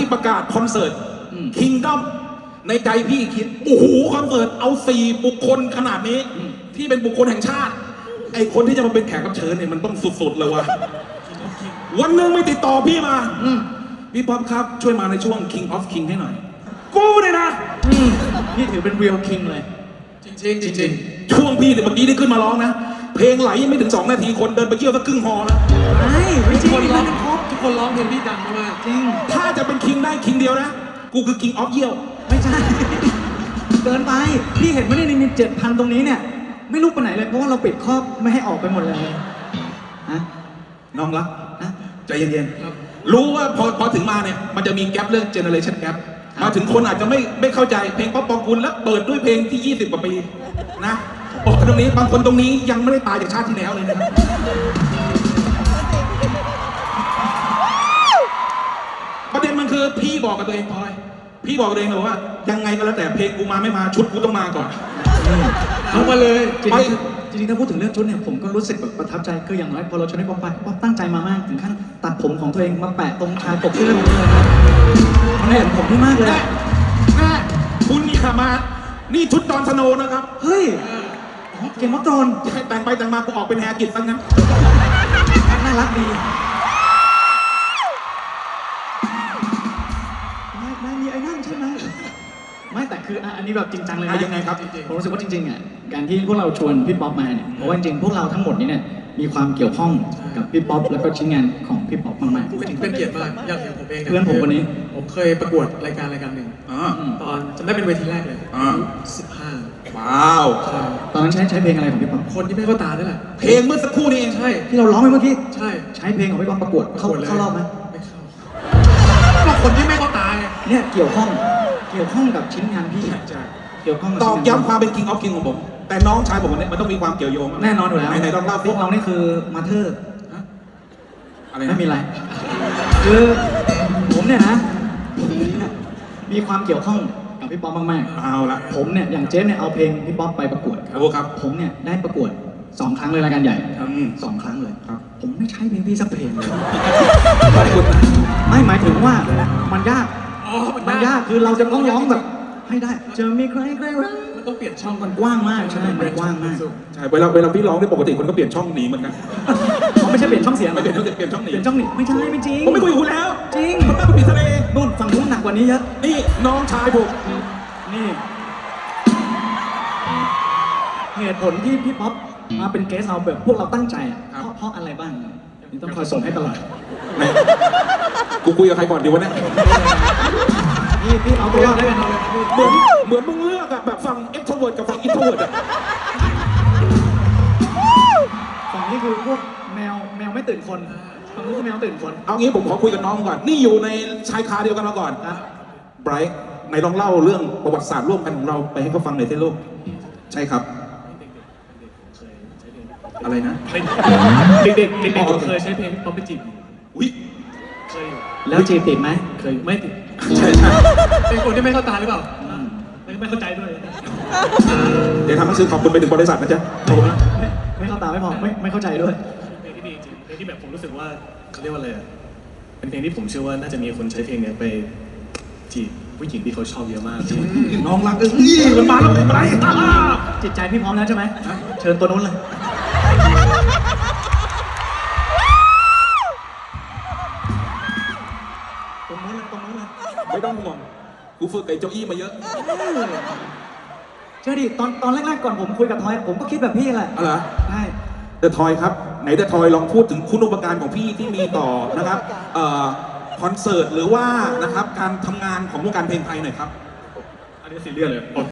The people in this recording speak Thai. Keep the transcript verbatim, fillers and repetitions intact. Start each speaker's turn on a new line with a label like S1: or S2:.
S1: ประกาศคอนเสิร์ตคิงด้อมในใจพี่คิดโอ้โหคอนเสิร์ตเอาสี่บุคคลขนาดนี้ที่เป็นบุคคลแห่งชาติไอคนที่จะมาเป็นแขกรับเชิญเนี่ยมันต้องสุดๆเลยวะวันหนึ่งไม่ติดต่อพี่มาพี่ป๊อปครับช่วยมาในช่วง King of King ให้หน่อยกูเนี่ยนะ
S2: นี่ถือเป็น real king เลย
S1: จริงๆจริงๆช่วงพี่เนี่ยเมื่อกี้ได้ขึ้นมาร้องนะเพลงไหลยังไม่ถึงสองนาทีคนเดินไปเกี่ยวสักครึ่งฮอแล้ว
S2: ไม่ไม่จริง
S3: ทุกคนร้องครบทุกคนร้องเพลงพี่ดังมาก
S2: จริง
S1: ถ้าจะเป็นคิงได้คิงเดียวนะกูคือ King of เยี่ยว
S2: ไม่ใช่เกินไปพี่เห็นไหมในในเจ็ดพันตรงนี้เนี่ยไม่ลุกไปไหนเลยเพราะว่าเราปิดครอบไม่ให้ออกไปหมดเลยฮะ
S1: น้องรักใจเย็นๆรู้ว่าพอพอถึงมาเนี่ยมันจะมีแกลบเรื่องเจเนอเรชันแกลบมาถึงคนอาจจะไม่ไม่เข้าใจเพลงป๊อปปองกุลแล้วเปิดด้วยเพลงที่ยี่สิบกว่าปีนะบอกตรงนี้บางคนตรงนี้ยังไม่ได้ตายจากชาติที่แล้วเลยนะครับประเด็นมันคือพี่บอกกับตัวเองพลอยพี่บอกกับตัวเองเลยว่ายังไงก็แล้วแต่เพลงกูมาไม่มาชุดกูต้องมาก่อน
S3: เอามาเลย
S2: จริงๆถ้าพูดถึงเรื่องชุดเนี่ยผมก็รู้สึกแบบประทับใจคืออย่างน้อยพอเราชวนให้ป๊อปไปป๊อปตั้งใจมามากถึงขั้นตัดผมของตัวเองมาแปะตรงชายปกเสื้อผมเลยครับมันเห็นผมที่มากเลย
S1: แม่คุณนี่ค่ะมานี่ชุดจอห์นสโนว์นะครับ
S2: เฮ้ยเกมวัตโตน
S1: แต่งไปแต่งมากูออกเป็นแฮร์กิตซะงั้น
S2: น่ารักดีไม่ไม่มีไอ้นั่นใช่ไหมไม่แต่คืออันนี้แบบจริงจังเลยนะ
S1: ยังไงครับ
S2: ผมรู้สึกว่าจริงๆอ่ะการที่พวกเราชวนพี่ป๊อปมาเนี่ยเพราะว่าจริงๆพวกเราทั้งหมดนี้เนี่ยมีความเกี่ยวข้องกับพี่ป๊อปแล้วก็ชิ้นงานของพี่ป๊อปมาก
S3: ๆเป็นเกียรติมากอย่างอย่างผมเอง
S2: เพื่อนผมคนนี้
S3: ผมเคยประกวดรายการรายการหนึ่งตอนจำได้เป็นเวทีแรกเลยสิบห้า
S1: ว้าว
S2: ตอนนั้นใช้ใช้เพลงอะไรของพี่ป๊อป
S3: คนที่ไม่เข้าตาด้วยแหละ
S1: เพลงเมื่อสักครู่นี้เอง
S3: ใช่
S2: ที่เราร้องไปเมื่อกี้
S3: ใช่
S2: ใช้เพลงของพี่ป๊อปประกวดเข้าเข้ารอบไหม
S3: ไม่เข้าก็คนที่ไม่เข้าตา
S2: เนี่ยเกี่ยวข้องเกี่ยวข้องกับชิ้นงานพี่เกี่ยวข้อง
S1: ตอกย้ำความเป็น King of King ของผมแต่น้องชายผมเนี่ยมันต้องมีความเกี่ยวโยง
S2: แน่นอนอยู่แล้ว
S1: ไหนๆต้องเล่า
S2: พวกเรานี่คือมาเธอร์
S1: อะไร
S2: ไม่มีอะไรคือผมเนี่ยนะมีความเกี่ยวข้องกับพี่ป๊อปมาก
S1: ๆเอาละ
S2: ผมเนี่ยอย่างเจฟเนี่ยเอาเพลงพี่ป๊อปไปประกวด
S1: ครับ
S2: ผมเนี่ยได้ประกวดสองครั้งเลยรายการใหญ่สองครั้งเลยผมไม่ใช่เพลงพี่สักเพลงเลยไม่หมายถึงว่ามันยากมันยากคือเราจะต้องร้องแบบให้ได้จะมีใครใครรัก
S3: มันต้องเปลี่ยนช่อง
S2: มันกว้างมากใช่มันกว้างมาก
S1: ใช่เวลาเวลาพี่ร้องได้ปกติคนก็เปลี่ยนช่องหนีเหมือนกัน
S2: เขาไม่ใช่เปลี่ยนช่องเสียง
S1: ไม่เปลี่ยนช่องเปลี่ยนช่องหนี
S2: เปลี่ยนช่องหนีไม่ใช่ไม่จริง
S1: ผมไม่คุยกับคุณแล้ว
S2: จริง
S1: ผมไม่คุยกับทะเล
S2: นู่นฝั่งนู้นหนักกว่านี้เยอะ
S1: นี่น้องชายผม
S2: นี่เหตุผลที่พี่ป๊อปมาเป็นเกสเราแบบพวกเราตั้งใจเพราะเพราะอะไรบ้างนี่ต้องคอยส่งให้ตลอด
S1: กูคุยกับใครก่อนดีวะเนี่ย
S2: พี่พี่เอาตัวได้กัน
S1: เหมือนเหมือนมึงเลือกอะแบบฟัง extrovert กับฟัง introvert อะ
S2: ฝั่งนี้คือพวกแมวแมวไม่ตื่นคนฝั่งนี้คือแมวตื่นคน
S1: เอางี้ผมขอคุยกับน้องก่อนนี่อยู่ในชายคาเดียวกันมาก่อนนะไบรท์ไหนลองเล่าเรื่องประวัติศาสตร์ร่วมกันของเราไปให้เขาฟังหน่อยสิลูกใช่ครับอะไรนะ
S3: เด็กๆเด็กๆเคยใช้เพลงป๊อปปี้จีบ
S1: อุ้ย
S3: เคย
S2: แล้วจีบติดไหม
S3: เคยไม่ติด
S1: ใช่ใช่
S3: เป็นคนที่ไม่เข้าตาหรือเปล่าไม่ไม่เข้าใจด้วย
S1: เดี๋ยวทำหนังสือขอบคุณไปถึงบริษัทนะจ๊ะ
S2: ไม่ไม่เข้าตาไม่พอไม่ไม่เข้าใจด้วย
S3: เพลงที่ดีจริงเพลงที่แบบผมรู้สึกว่าเขาเรียกว่าอะไรเป็นเพลงที่ผมเชื่อว่าน่าจะมีคนใช้เพลงเนี้ยไปจีบผู้หญิงที่เขาชอบเยอะมาก
S1: น้องรักเอ้ยมันมาแล้วไป
S2: จิตใจพี่พร้อมแล้วใช่ไหมเชิญตัวนู้นเลยตรงนู้นเลยตรงนู้นเลย
S1: ไม่ต้องห่วงกูฝึกไอ้เจ้าอี้มาเยอะ
S2: เชื่อดิตอนตอนแรกๆก่อนผมคุยกับทอยผมก็คิดแบบพี่แหละ
S1: อะไร
S2: ใช่
S1: เดอะทอยครับไหนเดอะทอยลองพูดถึงคุณอุปการของพี่ที่มีต่อนะครับคอนเสิร์ตหรือว่านะครับการทำงานของวงการเพลงไทยหน่อยครับ
S3: อันนี้ซีเรียสเลย